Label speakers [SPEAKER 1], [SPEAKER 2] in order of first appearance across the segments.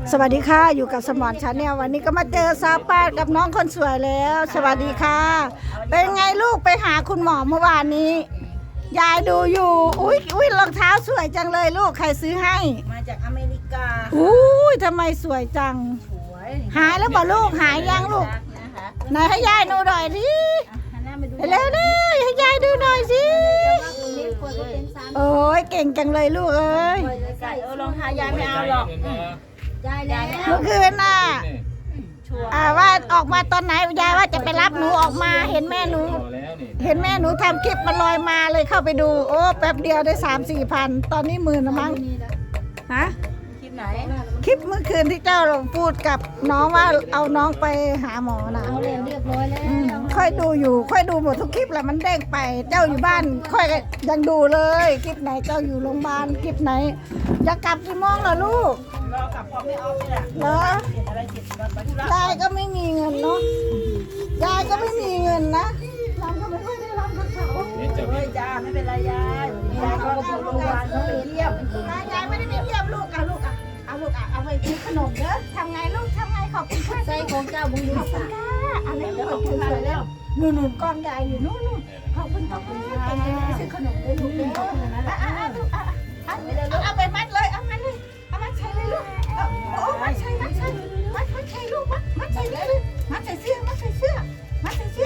[SPEAKER 1] สวัสดีค่ะอยู่กับสมอนชาแนลวันนี้ก็มาเจอสาวป้ากับน้องคนสวยแล้ว สวัสดีค่ะเป็นไงลูกไปหาคุณหมอเมื่อวานนี้ยายดูอยู่อุ้ยรองเท้าสวยจังเลยลูกใครซื้อให้
[SPEAKER 2] มาจากอเมริกา
[SPEAKER 1] อุ้ยทำไมสวยจังหายแล้วบอกลูกหายยังลูกไหนให้ยายดูหน่อยดิเร็วๆให้ยายดูหน่อยสิโอ้ยเก่งจังเลยลูกเอ้ย
[SPEAKER 2] รองเท้ายายไม่เอาหรอกยายแล้ว
[SPEAKER 1] เมื่อคืนน่ะว่าออกมาตอนไหนยายว่าจะไปรับหนูออกมาเห็นแม่หนูทำคลิปมันลอยมาเลยเข้าไปดูโอ้แป๊บเดียวได้3-4 พันตอนนี้10,000แล้วมั้งฮะ
[SPEAKER 2] คลิปไหน
[SPEAKER 1] คลิปเมื่อคืนที่เจ้าพูดกับน้องว่าเอาน้องไปหาหมอนะ
[SPEAKER 2] เอาเรียบร้อยแล้ว
[SPEAKER 1] ค่อยดูอยู่ค่อยดูหมดทุกคลิปแหละมันเด้งไปเจ้าอยู่บ้านค่อยยังดูเลยคลิปไหนเจ้าอยู่โรงพยาบาลคลิปไหนจะกลับกี่โมงล่ะลูก
[SPEAKER 2] รอกลับพอไม่ออฟนี่แหละ
[SPEAKER 1] เหรอยายก็ไม่มีเงินเนาะยายก็ไม่มีเงินนะรำก็ไม่ค่อยได้รำกับเขา
[SPEAKER 2] เฮ้ยจ้าไม่เป็นไรยายเขาไปโรงพยาบาลเขาไปเยี่ยม
[SPEAKER 1] ยายไม่ได้ไปเยี่ยมลูกเอาลูกเอาไปกินขนมเด้อทำไงลูกทำไงขอบคุณค่ะ
[SPEAKER 2] ใส่ของเจ้าบุญดูสา
[SPEAKER 1] อะไรเดี๋ยวขอบคุณค่ะแล้วนู่นกองใหญ่อยู่นู่นขอบคุณเก่งจังเลยซื้อขนมเลยลูกเด้อเอาไปมัดเลยเอามัดใส่เลยลูกโอ้มัดใส่ลูกมัดใส่เลยมัดใส่เสื้อเอาเต้นมัดใส่เสื้อ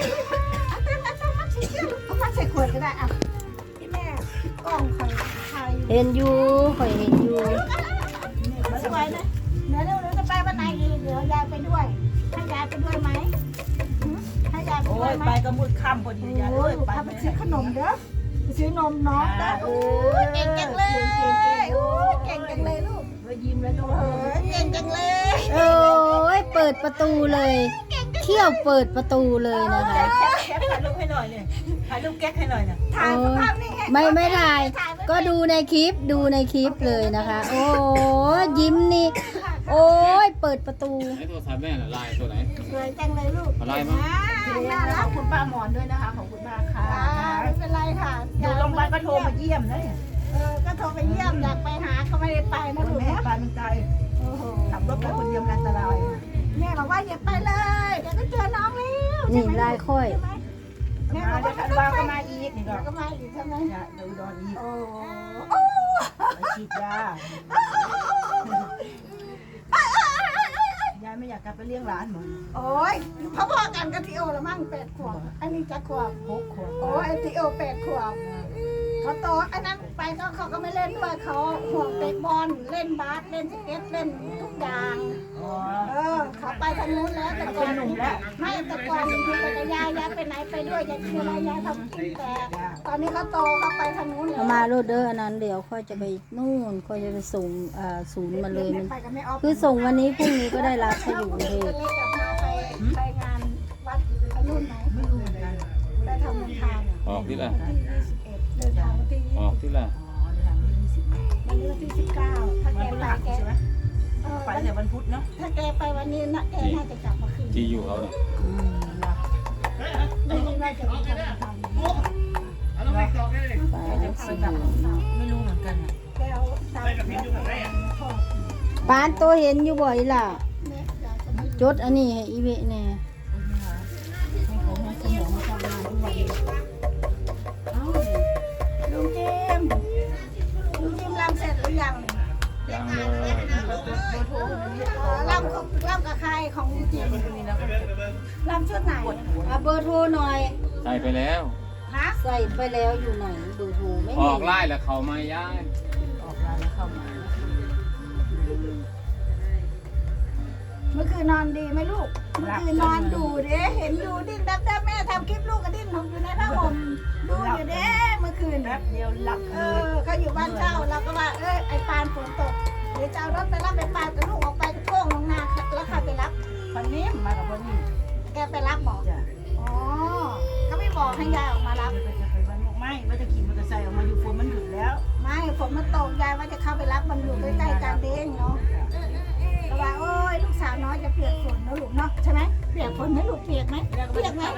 [SPEAKER 1] เอามัดใส่ขวดก็ได้อ่ะพี่แม่กล้องใคร
[SPEAKER 2] เห็นอยู่คอยเห็นอยู่
[SPEAKER 1] สวยนะเดี๋ยวจะไปวันไหนอีกเดี๋ยวยายไปด้วยให้ยายไปด้วยไหมให้ยายไปด้วยไหม
[SPEAKER 2] ไปก็มืดค่ำพอดียายเลย
[SPEAKER 1] ไปซื้อขนมเด้อซื้อนมน้องเด้อเก่งจังเลยเก่งจังเลยลูก
[SPEAKER 2] ยิ้มแล้วลูก
[SPEAKER 1] เก่งจังเลย
[SPEAKER 3] โอ้ยเปิดประตูเลยเที่ยวเปิดประตูเลยนะคะ
[SPEAKER 2] แก๊กถ่ายรูปให้หน่อยเนี่ยถ่ายรูปแก๊กให้หน่อยนะ
[SPEAKER 1] ถ่ายภาพนี่
[SPEAKER 3] ไม่ถ่ายก็ดูในคลิปเลยนะคะโอ้ยิ้มนี่โอ้ยเปิดประตู
[SPEAKER 4] ไอ้โทรศัพท์แม่น่ะลายตัวไหน
[SPEAKER 1] สวยจังเลยลูก
[SPEAKER 4] ลายมั้ง
[SPEAKER 1] น่ารั
[SPEAKER 2] ข
[SPEAKER 1] ก
[SPEAKER 2] อบคุณป้าหมอนด้วยนะคะขอบคุณมากค่ะ
[SPEAKER 1] ไม่เป็นไรค่ะ
[SPEAKER 2] อยู่โรงพยาบาลก็โทรมาเยี่ยมนะ
[SPEAKER 1] ก็โทรไปเยี่ยมอยากไปหาก็ไม่ได้ไปนะลูก
[SPEAKER 2] แม่ไปมันไกลขับรถไปคนเดียวอันตราย
[SPEAKER 1] แม่บอกว่าอย่าไปเลยเดี๋ยวก็เจอน้องแล้ว
[SPEAKER 3] นี่ลายค่อย
[SPEAKER 1] แม่บอกว่า
[SPEAKER 2] ทันวาก็มาอีกนี่
[SPEAKER 1] ก็มาอีกใช่ไหม
[SPEAKER 2] เดี๋ยวดอนอีก
[SPEAKER 1] โอ้
[SPEAKER 2] ไปฉีดยายไม่อยากกลับไปเลี้ยงหลานเหมือน
[SPEAKER 1] โอ้ยพ่อกันกับทีโอละมั่ง8 ขวบอันนี้จะขวบ
[SPEAKER 2] 6 ขวบ
[SPEAKER 1] โอ้ยทีโอ8 ขวบเขาโตอันนั้นไปเขาก็ไม่เล่นด้วยเขาห่วงเตะบอลเล่นบาสเล่นสเก็ตเล่นทุกอย่างเขาไปทางนู้นแล้วแต่ก่อนหนุ่มแล้วไม่แต่ก่อนไปกับยายไปไหนไปด้วยยายคืออะไรยายทำกินแต่ตอนนี้เขาโตเขาไปทางนู้นแล้ว
[SPEAKER 3] มาโรดเดอร์อันนั้นเดี๋ยวค่อยจะไปนู่นค่อยจะไปส่งศูนย์มาเลยมัน คือส่งวันนี้พรุ่งนี้ก็ได้รับเขาอยู่เลย
[SPEAKER 1] ไปงานวัดรุ่นไหน
[SPEAKER 2] ไม่รู้เหมือนกัน
[SPEAKER 1] ได้ทำบุญทาน
[SPEAKER 4] ออกที่ละ
[SPEAKER 1] เดินทางวันที่
[SPEAKER 4] ออกที่ละ
[SPEAKER 1] วันนี้วันที่19ถ้าแกไปแก
[SPEAKER 2] ไปแต่วันพุธเนาะ
[SPEAKER 1] ถ้าแกไปวันนี้นะแกน่าจะกลับมาคืน
[SPEAKER 4] ที่อยู่เขาเนี่ย
[SPEAKER 1] ไม่รู้ว่าจะไปทำอะไร
[SPEAKER 2] ไม่รู้เหมือนกัน
[SPEAKER 1] แกเอาตาม
[SPEAKER 3] ปานตัวเห็นอยู่บ่อยล่ะจดอันนี้ให้อีเวแน่
[SPEAKER 1] ลุงจิมรำเสร็จหรือยังรำกับใครของลุงจิมรำชุดไหน
[SPEAKER 3] เบอร์โทรหน่อย
[SPEAKER 4] ใส่ไปแล้ว
[SPEAKER 3] ใส่ไปแล้วอยู่ไหนเบอร์โทรไม่
[SPEAKER 4] ออกไล่แล้วเขามาย้าย
[SPEAKER 2] ออกไลน์แล้วเข้ามา
[SPEAKER 1] เมื่อคืนนอนดีไหมลูกเมื่อคืนนอนดูเด้เห็นดูดิ้นดับแม่ทำคลิปลูกกับดิ้นผมอยู่ในผ้าห่มดูอยู่เด้เมื่อคืน
[SPEAKER 2] แป๊บเดียวหลับ
[SPEAKER 1] เขาอยู่บ้านเช่าเราก็ว่าไอ้ปานฝนตกเดี๋ยวจะเอารถไปรับไปปานกับลูกออกไปโค้งลงนาแล้วใครไปรับ
[SPEAKER 2] คนนี้มากับคนนี้
[SPEAKER 1] แกไปรับบอกอ๋อก็ไม่บอกให้ยายออกมารับ
[SPEAKER 2] จะไปบ้านไม่ว่าจะขี่มอเตอร์ไซค์ออกมาอยู่ฝนมันหยุดแล้ว
[SPEAKER 1] ไม่ฝนมันตกยายว่าจะเข้าไปรับมันอยู่ใกล้ๆกันเด้งเนาะแต่ว่าโอ้ยลูกสาวน้อยจะเปียกฝนนะลูกเนาะใช่ไหมเปียกฝนไหมลูกเปียกไหมเปียกไหม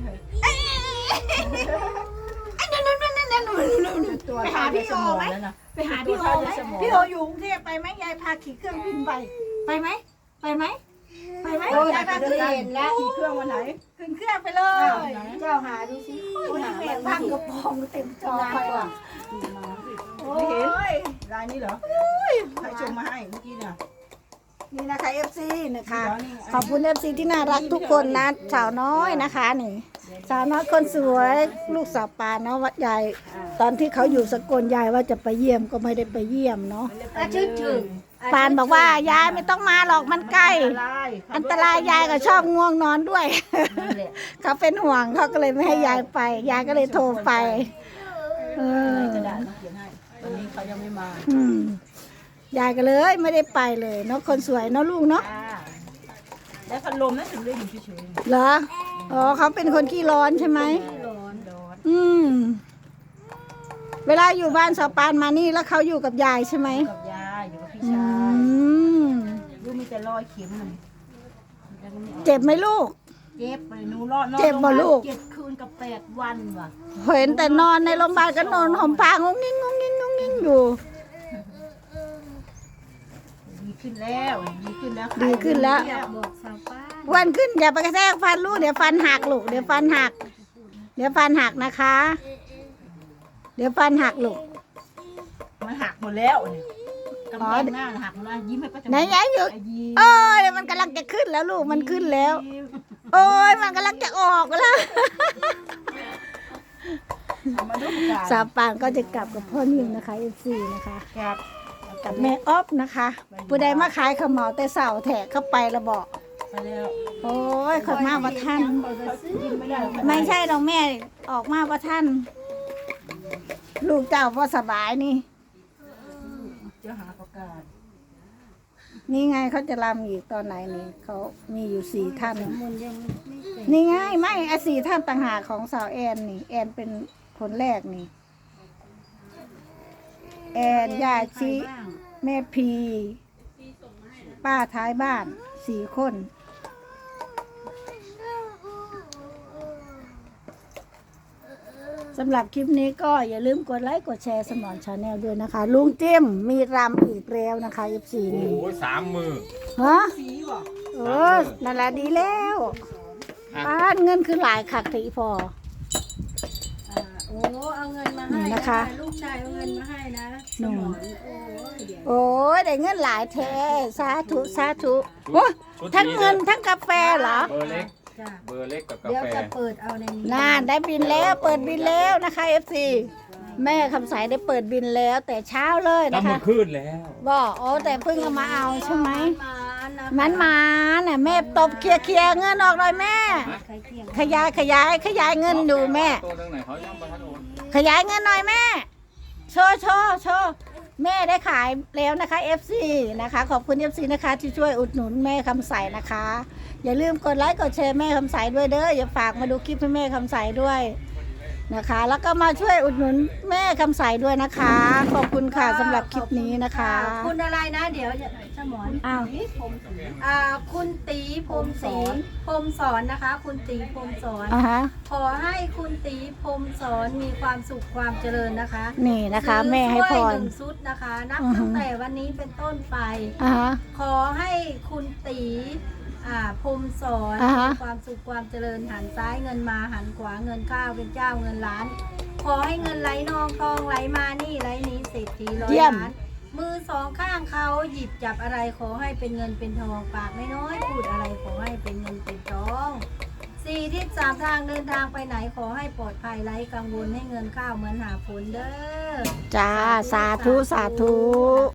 [SPEAKER 1] ไปหาพี่โอไหมไปหาพี่โอไหมพี่โออยู่กรุงเทพไปไหมยายพาขี่เครื่องบินไปไหมไปไหมไปไหม
[SPEAKER 2] โอ้ย
[SPEAKER 1] ยายพา
[SPEAKER 2] จะ
[SPEAKER 1] ขึ้น
[SPEAKER 2] เห็นแล้วขี่เครื่องวันไหน
[SPEAKER 1] ขึ้นเครื่องไปเลย
[SPEAKER 2] เจ้าหาดูสิ
[SPEAKER 1] โอ้ยแม่พังกระโปรงเต็มจอไปว่ะโอ้
[SPEAKER 2] ไม่เห็น
[SPEAKER 1] ย
[SPEAKER 2] ลายนี้เหรอใครส่งมาให้เมื่อกี้เนี่ย
[SPEAKER 1] นี่นะคะ FC นะคะ ขอบคุณ FC ที่น่ารักทุกคนนะสาวน้อยนะคะนี่สาวน้อยคนสวยลูกสาวปานเนาะวัดใหญ่ตอนที่เขาอยู่สกลยายว่าจะไปเยี่ยมก็ไม่ได้ไปเยี่ยมเนาะ
[SPEAKER 2] ชื่อถึง
[SPEAKER 1] ปานบอกว่ายายไม่ต้องมาหรอกมันใกล้ อันตรายยายก็ชอบง่วงนอนด้วย เขาเป็นห่วงเขาก็เลยไม่ให้ยายไป ยายก็เลยโทรไปเออก
[SPEAKER 2] ระดาษมาเขียนให้ตอนนี้เขายังไม่มา
[SPEAKER 1] ยายก็เลยไม่ได้ไปเลยเนาะคนสวยเนาะลูกเนาะ
[SPEAKER 2] แล้วพัดลมนั่นถึงได้อยู่เฉย
[SPEAKER 1] เหรออ๋อเขาเป็นคนขี้ร้อนใช่ไหม
[SPEAKER 2] ๆร้อน
[SPEAKER 1] อืมเวลาอยู่บ้านสาวปานมานี่แล้วเขาอยู่กับยายใช่ไหม
[SPEAKER 2] กับยายอยู่กับพี่
[SPEAKER 1] อื
[SPEAKER 2] ชาย
[SPEAKER 1] ม
[SPEAKER 2] ลูกมีแต่รอยเข็มมัน
[SPEAKER 1] เจ็บไหมลูก
[SPEAKER 2] เจ็บไปหนูรอดนอน
[SPEAKER 1] เจ็บบ่ลูก
[SPEAKER 2] 7 คืนกับ 8 วันว่ะ
[SPEAKER 1] เห็นแต่นอนในโรงพยาบาลก็นอนห่มผ้างงงิ้งงงงิ้งงงงิ้งอยู่
[SPEAKER 2] ดีขึ้นแล้วดีขึ้นแล้ว
[SPEAKER 1] ดีขึ้นแล้ว
[SPEAKER 2] บอกสาวป้า
[SPEAKER 1] วันขึ้นอย่าไปกระแทกฟันลูกเดี๋ยวฟันหักลูกเดี๋ยวฟันหัก เดี๋ยวฟันหักนะคะ เดี๋ยวฟันหักลูก
[SPEAKER 2] มันหักหมดแล้วเนี่ยกำแพงหน้าหักหมดแล้วยิ้มให้ป้าจะ
[SPEAKER 1] ไหนยายอยู่
[SPEAKER 2] ยิ้ม
[SPEAKER 1] โอ้ยมันกำลังจะขึ้นแล้วลูกมันขึ้นแล้ว โอ้ยมันกำลังจะออกแล้ว
[SPEAKER 2] มาดูกัน
[SPEAKER 1] สาวปานก็จะกลับกับพ่อนิวนะคะFCนะคะ
[SPEAKER 2] ครับ
[SPEAKER 1] กับแม่ออฟนะคะผู้ใดมาขายข้าวเหมาแต่เสาแถกเข้าไปแล้วบอก
[SPEAKER 2] มาแล้ว
[SPEAKER 1] โอ้ยขอมาว่าท่าน
[SPEAKER 2] ยิ้มไม่ได้
[SPEAKER 1] ไม่ใช่ดอกแม่ออกมาว่าท่าน ลูกเจ้าว่าสบายนี่
[SPEAKER 2] จะหาประกาศ
[SPEAKER 1] นี่ไงเขาจะรำอีกตอนไหนนี่เขามีอยู่4 ท่าน นี่ไงไม่ไอ้4 ท่านต่างหากของสาวแอนนี่ แอนเป็นคนแรกนี่ แอนยาชิแม่พี ป้าท้ายบ้าน4 คนสำหรับคลิปนี้ก็อย่าลืมกดไลค์กดแชร์สมอนชาแนลด้วยนะคะ ลุงจิ้มมีรำอีกแล้วนะคะ F4
[SPEAKER 4] โอ้
[SPEAKER 1] นี่
[SPEAKER 4] โห3 มือ
[SPEAKER 1] ฮะ
[SPEAKER 2] สีบอก
[SPEAKER 1] เออนั่นแหละดีแล้วป้านเงินคือหลายคักทีพอ
[SPEAKER 3] โอ้เอาเงินมาให้
[SPEAKER 1] นี่นะคะ
[SPEAKER 3] ลูกชายเอาเงินมาให้นะสมอนโอ้ย
[SPEAKER 1] โอ้ยได้เงินหลายแท้สาธุสาธุโอ้ยทั้งเงินทั้งกาแฟเหรอ
[SPEAKER 4] เบอร์เล็ก
[SPEAKER 3] จ้ะ
[SPEAKER 4] เบอร์เล็กกับกา
[SPEAKER 3] เดี๋ยว
[SPEAKER 4] แฟ
[SPEAKER 3] จะเปิดเอาในนี้
[SPEAKER 1] น่าได้บินแล้วเปิดบินแล้วนะคะ FC แม่คำสายได้เปิดบินแล้วแต่เช้าเลย
[SPEAKER 4] ตั้
[SPEAKER 1] นะ
[SPEAKER 4] งมื
[SPEAKER 1] คะ
[SPEAKER 4] อขึ้นแล้ว
[SPEAKER 1] บอกโอ้แต่เพิ่งเอามาเอาใช่ไหม
[SPEAKER 3] นะ
[SPEAKER 1] มันมาน่ะแม่ตบเคลียร์เงินออกเลยแม่
[SPEAKER 3] ใครเที่ยง
[SPEAKER 1] ขยายเงินดูแม่
[SPEAKER 4] ตัวตรงไหนเขายังประทัดโอน
[SPEAKER 1] ขยายเงินหน่อยแม่ โชว์แม่ได้ขายแล้วนะคะ FC นะคะ ขอบคุณ FC นะคะ ที่ช่วยอุดหนุนแม่คำใสนะคะ อย่าลืมกดไลค์กดแชร์แม่คำใสด้วยเด้ออย่าฝากมาดูคลิปให้แม่คำใสด้วยนะคะ แล้วก็มาช่วยอุดหนุนแม่คำใสด้วยนะคะ ขอบคุณค่ะสำหรับคลิปนี้นะคะ
[SPEAKER 3] คุณอะไรนะเดี๋ยวสมอน
[SPEAKER 1] อ้าว
[SPEAKER 3] คุณตีพรมศรีพรมสอนนะคะ คุณตีพรมสอน
[SPEAKER 1] อ่าฮะ
[SPEAKER 3] ขอให้คุณตีพรมสอนมีความสุขความเจริญนะคะ
[SPEAKER 1] นี่นะคะ แม่ให้พ
[SPEAKER 3] ซื้อ
[SPEAKER 1] ร
[SPEAKER 3] ถ้วย1 ชุดนะคะ นับ
[SPEAKER 1] อือฮึ
[SPEAKER 3] ตั้งแต่วันนี้เป็นต้นไป
[SPEAKER 1] อ่าฮะ
[SPEAKER 3] ขอให้คุณตีพรมสอน
[SPEAKER 1] อ่าฮะ
[SPEAKER 3] มีความสุขความเจริญหันซ้ายเงินมาหันขวาเงินข้าวเป็นเจ้าเงินล้าน ขอให้เงินไหลนองทองไหลมานี่ไหลนี้เศรษฐีร้อย
[SPEAKER 1] เยี่ยม
[SPEAKER 3] ล้าน มือ2 ข้างเขาหยิบจับอะไรขอให้เป็นเงินเป็นทองปากน้อยๆพูดอะไรขอให้เป็นเงินเป็นทอง4 ทิศ3 ทางเดินทางไปไหนขอให้ปลอดภัยไร้กังวลให้เงินข้าวเหมือนหาฝนเด้อ
[SPEAKER 1] จ้าสาธุ